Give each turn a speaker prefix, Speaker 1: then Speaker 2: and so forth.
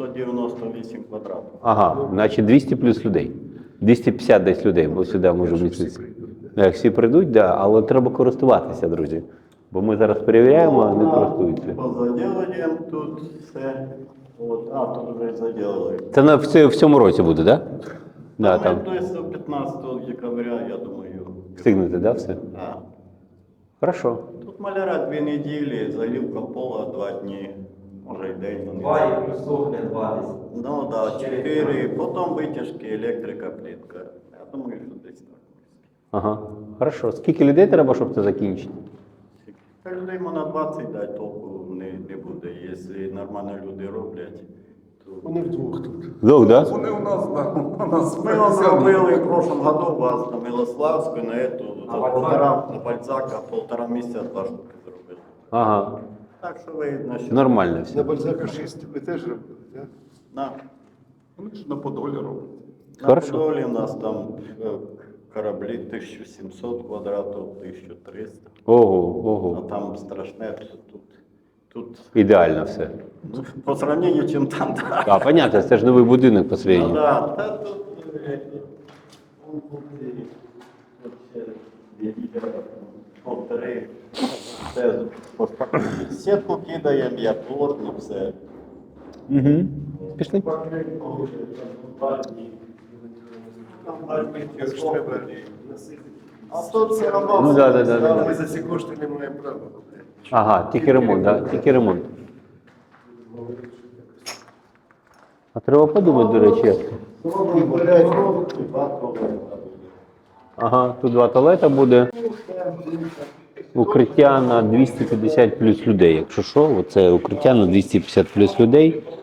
Speaker 1: 198 квадратів.
Speaker 2: Ага, значить 200 плюс людей. 250 десь людей, бо сюди може вміститися. Як всі прийдуть, да, але треба користуватися, друзі. Бо ми зараз перевіряємо, а не користуються.
Speaker 1: Позаділуємо тут все. От, а, тут вже заділили.
Speaker 2: Це в цьому році буде, так? Да? Да, там.
Speaker 1: Тобто 15 декабря, я думаю.
Speaker 2: Встигнете, да, все?
Speaker 1: Да.
Speaker 2: Хорошо.
Speaker 1: Тут маляра 2 неділі, заливка пола 2 дні, може й день.
Speaker 3: Два і плюс сохне 2 десь.
Speaker 1: Ну так, да, 4, потім витяжки, електрика, плітка. Я думаю, що десь так.
Speaker 2: Ага. Хорошо. Скільки людей треба, щоб це закінчити?
Speaker 1: Та людей на 20 дати толку не буде. Якщо нормально люди роблять, то...
Speaker 4: Вони вдвох тут.
Speaker 2: Вдох, да?
Speaker 4: Вони у нас, да, у нас
Speaker 1: Ми вам робили в прошлом году вас на Милославську, на эту,
Speaker 3: На
Speaker 1: за
Speaker 3: Бальзака?
Speaker 1: на Бальзака, 1,5 місяця 2 штуки зробили.
Speaker 2: Ага.
Speaker 1: Так що видно, що...
Speaker 2: Нормально
Speaker 4: на
Speaker 2: все.
Speaker 4: Бальзака 6 ви теж робили, так?
Speaker 1: На,
Speaker 4: Вони ж на Подолі роблять.
Speaker 1: на
Speaker 2: Хорошо.
Speaker 1: Подолі у нас там кораблі 1700 квадратів, 1300.
Speaker 2: Ого,
Speaker 1: А
Speaker 2: ого.
Speaker 1: там страшне, тут
Speaker 2: Ідеально все.
Speaker 1: ну, по сравнению, чим там, да.
Speaker 2: А, понятно, це ж новий будинок по
Speaker 1: Ну
Speaker 2: средньому.
Speaker 1: да, та тут, полтори, все, сітку кидаємо, я плотно, все.
Speaker 2: Угу. Пішли.
Speaker 1: А тут все одно.
Speaker 2: Ну, да.
Speaker 4: Ми за ці кошти не маємо права.
Speaker 2: Ага, тільки ремонт, да? Тільки ремонт. А треба подумати, до речі, як. Ага, тут 2 туалета буде. Укриття на 250 плюс людей. Якщо що, оце укриття на 250 плюс людей.